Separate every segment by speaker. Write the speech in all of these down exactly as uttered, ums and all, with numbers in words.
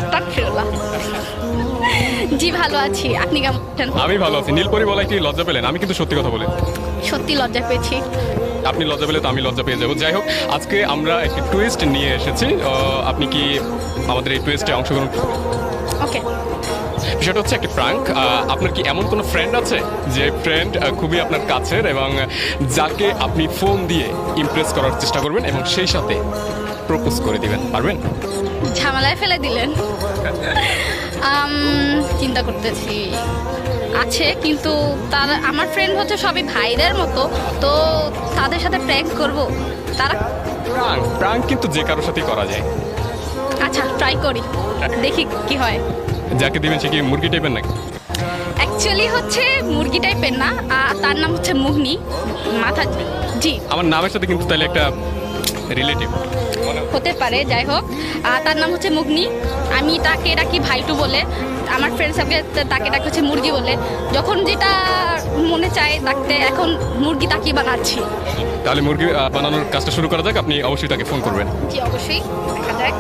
Speaker 1: আস্তাগফিরুল্লাহ। জি ভালো আছি, আপনি কেমন আছেন?
Speaker 2: আমি ভালো আছি। নীলপরি বলায় কি লজ্জা পেলেন? আমি কিন্তু সত্যি কথা বলি।
Speaker 1: সত্যি লজ্জা পেয়েছি।
Speaker 2: আপনি লজ্জা পেলে তো আমি লজ্জা পেয়ে যাবো। যাই হোক, আজকে আমরা একটি টুইস্ট নিয়ে এসেছি। আহ, আপনি কি আমাদের এই টুইস্টে অংশগ্রহণ করবেন?
Speaker 1: ওকে।
Speaker 2: বিষয়টা হচ্ছে একটি প্রাঙ্ক। আপনার কি এমন কোনো ফ্রেন্ড আছে যে ফ্রেন্ড খুবই আপনার কাছের এবং যাকে আপনি ফোন দিয়ে ইমপ্রেস করার চেষ্টা করবেন এবং সেই সাথে প্রপোজ করে দিবেন? পারবেন?
Speaker 1: ঝামেলায় ফেলে দিলেন। আম, চিন্তা করতেছি। আছে, কিন্তু তার আমার ফ্রেন্ড হচ্ছে সবই ভাইদের মতো, তো তাদের সাথে প্র্যাঙ্ক করব। তারা
Speaker 2: প্রাঙ্ক প্রাঙ্ক কিন্তু যে কারোর সাথেই করা যায়।
Speaker 1: আচ্ছা, ট্রাই করি, দেখি কি হয়।
Speaker 2: যাকে দিবেন সে কি মুরগি টাইপের নাকি?
Speaker 1: অ্যাকচুয়ালি হচ্ছে মুরগি টাইপের না, আহ, তার নাম হচ্ছে মুগনি। মাথা, জি
Speaker 2: আমার নামের সাথে কিন্তু তাহলে একটা রিলেটিভ
Speaker 1: হতে পারে। যাই হোক, আহ, তার নাম হচ্ছে মুগনি। আমি তাকে ডাকি ভাইটু বলে, আমার ফ্রেন্ড সাথে তাকে ডাকি হচ্ছে মুরগি বলে। যখন যেটা মনে চায় ডাকতে, এখন মুরগি তাকে বানাচ্ছি।
Speaker 2: তাহলে মুরগি আহ, বানানোর কাজটা শুরু করা যাক। আপনি অবশ্যই তাকে ফোন করবেন।
Speaker 1: জি অবশ্যই, দেখা যাক।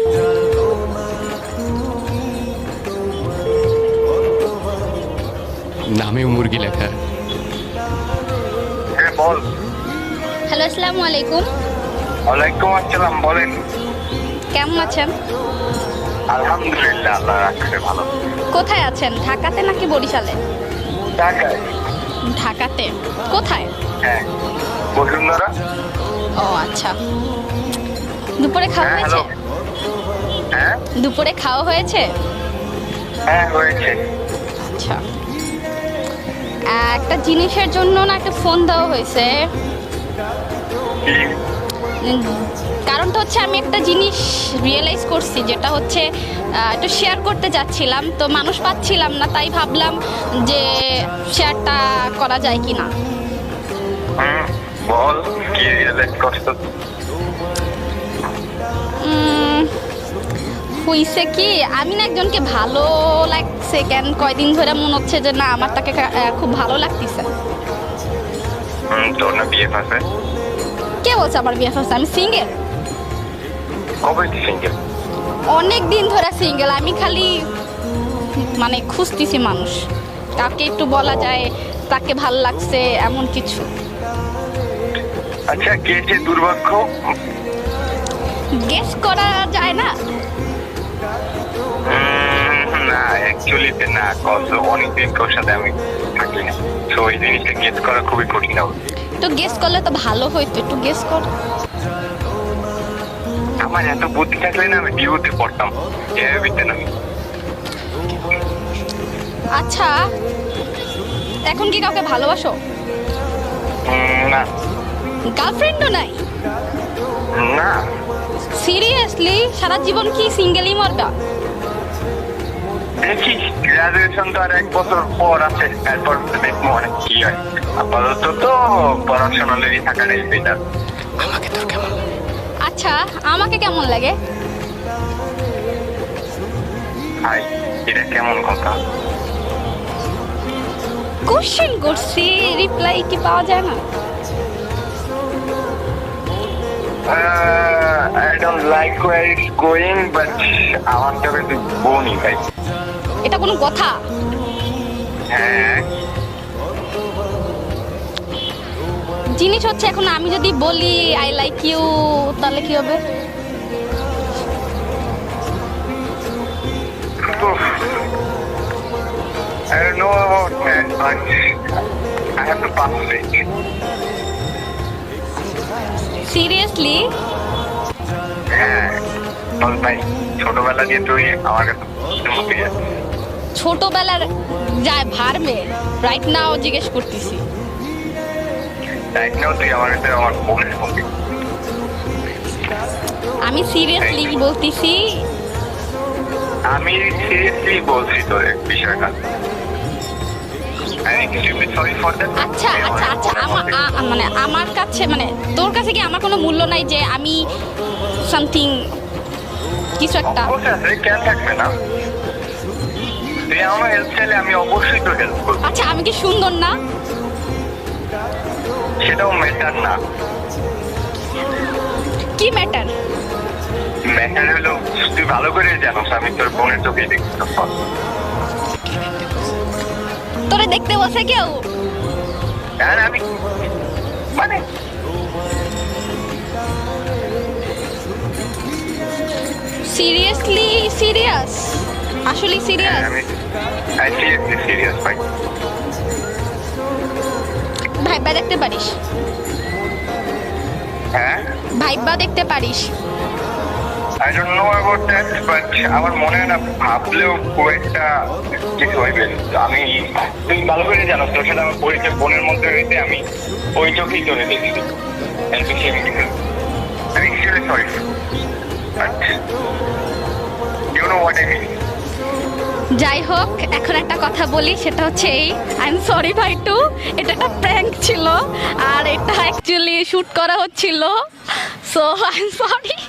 Speaker 2: নামেও মুরগি লেখা।
Speaker 3: হ্যাঁ বল।
Speaker 1: হ্যালো, আসসালামু আলাইকুম।
Speaker 3: ওয়ালাইকুম আসসালাম, বলেন।
Speaker 1: কেমন আছেন?
Speaker 3: আলহামদুলিল্লাহ, আল্লাহ রাখছে ভালো।
Speaker 1: কোথায় আছেন, ঢাকাতে নাকি বরিশালে?
Speaker 3: ঢাকায়।
Speaker 1: ঢাকাতে কোথায়?
Speaker 3: হ্যাঁ, বসুন্ধরা।
Speaker 1: ও আচ্ছা। দুপুরে খাওয়া
Speaker 3: হ্যাঁ
Speaker 1: হয়েছে?
Speaker 3: হ্যালো। হ্যাঁ
Speaker 1: দুপুরে খাওয়া হয়েছে?
Speaker 3: হ্যাঁ হয়েছে।
Speaker 1: আচ্ছা, একটা জিনিসের জন্য না একটা ফোন দেওয়া হয়েছে।
Speaker 3: কি?
Speaker 1: উম, কারণটা হচ্ছে আমি একটা জিনিস রিয়েলাইজ করছি, যেটা হচ্ছে আহ, একটু শেয়ার করতে চাচ্ছিলাম, তো মানুষ পাচ্ছিলাম না, তাই ভাবলাম যে শেয়ারটা করা যায় কি না।
Speaker 3: হুম, বল কি রিয়েলাইজ করছো?
Speaker 1: উম, হইছে কি, আমি না একজনকে ভালো লাগছে, কেন কয়দিন ধরে মনে হচ্ছে যে না আমার তাকে কা- আহ, খুব ভালো লাগতেছে।
Speaker 3: হুম, তোর না বিয়ে আছে?
Speaker 1: কে বলছে আমার বিয়ে হচ্ছে? আমি সিঙ্গেল,
Speaker 3: কবে সিঙ্গেল?
Speaker 1: অনেক দিন ধরে সিঙ্গেল। আমি খালি মানে খুঁজতেছি মানুষ, কাকে একটু বলা যায় তাকে ভাল লাগছে এমন কিছু।
Speaker 3: আচ্ছা, কে যে দুর্ভাগ্য?
Speaker 1: গেস করা যায় না?
Speaker 3: উম, না অ্যাকচুয়ালি না, কত অনেকদিন তোর সাথে আমি থাকি না, তো ওই জিনিসটা গেস করা খুবই কঠিন হবে।
Speaker 1: একটু গেস করলে তো ভালো হইতো, একটু গেস কর।
Speaker 3: আমার এত বুদ্ধি থাকলে না আমি ডিউতে পড়তাম, এবিতে না।
Speaker 1: আচ্ছা, এখন কি কাউকে ভালোবাসো?
Speaker 3: উম, না
Speaker 1: গার্লফ্রেন্ডও নাই?
Speaker 3: না,
Speaker 1: সিরিয়াসলি সারা জীবন কি সিঙ্গেলই মরবা?
Speaker 3: দেখি গ্রাজুয়েশন তো আর এক বছর পর আছে, তারপর দেখবো অনেক কি হয়। আপাতত তো পড়াশোনালেরই থাকাটাই বেটার।
Speaker 2: আমাকে তোর কেমন লাগে?
Speaker 1: আচ্ছা, আমাকে কেমন লাগে?
Speaker 3: হাই, এটা কেমন কথা?
Speaker 1: কোশ্চেন করছি, রিপ্লাই কি পাওয়া যায় না?
Speaker 3: I don't like where it's going, but আমার তবে তুই বোনই ভাই।
Speaker 1: এটা কোনো কথা?
Speaker 3: হ্যাঁ,
Speaker 1: জিনিস হচ্ছে এখন আমি যদি বলি আই লাইক ইউ, তাহলে কি হবে?
Speaker 3: I don't know about that, but I have to pass it.
Speaker 1: Seriously?
Speaker 3: হ্যাঁ, বল ভাই, ছোটবেলা দিয়ে তুই আমার কাছে মতে যাচ্ছিস।
Speaker 1: ছোটবেলার যায় ভারমে, রাইট নাও জিজ্ঞেস করতেছি।
Speaker 3: রাইট নাও তুই আমার কাছে আমার বোনের মতে।
Speaker 1: আমি সিরিয়াসলি বলতেছি।
Speaker 3: আমি সিরিয়াসলি বলছি তোর বিষয়টা। I'm extremely sorry for that.
Speaker 1: আচ্ছা আচ্ছা আচ্ছা, আমার আ- মানে আমার কাছে মানে তোর কাছে কি আমার কোনো মূল্য নাই যে আমি সামথিং কিছু একটা?
Speaker 3: অবশ্যই আছে, কেন থাকবে না? তুই আমার হেল্প চাইলে আমি অবশ্যই তোর হেল্প করবো,
Speaker 1: আচ্ছা, আমি কি সুন্দর না?
Speaker 3: সেটাও ম্যাটার না।
Speaker 1: কি ম্যাটার?
Speaker 3: ম্যাটার হলো তুই ভালো করে জানোস আমি তোর বোনের চোখেই দেখছি তখন।
Speaker 1: তোরে দেখতে বসে কেউ?
Speaker 3: আর আমি মানে
Speaker 1: সিরিয়াসলি সিরিয়াস? আসলে
Speaker 3: হ্যাঁ,
Speaker 1: সিরিয়াস?
Speaker 3: আমি সিরিয়াসলি সিরিয়াস ভাই।
Speaker 1: ভাইবা দেখতে পারিস?
Speaker 3: হ্যাঁ,
Speaker 1: ভাইবা দেখতে পারিস?
Speaker 3: I don't know about that, but আমার মনে হয় না ভাবলেও খুব একটা কিছু হইবে। আমি তুই ভালো করে জানো তোর সাথে আমার পরিচয় বোনের মধ্যে হইতে আমি ওই চোখেই চলে দেখছি। And to shame you. I'm extremely sorry. But you know what I mean.
Speaker 1: যাই হোক, এখন একটা কথা বলি, সেটা হচ্ছে এই, আই এম সরি ভাই টু, এটা একটা প্র্যাঙ্ক ছিল আর এটা অ্যাকচুয়ালি শুট করা হচ্ছিল, সো আই এম সরি।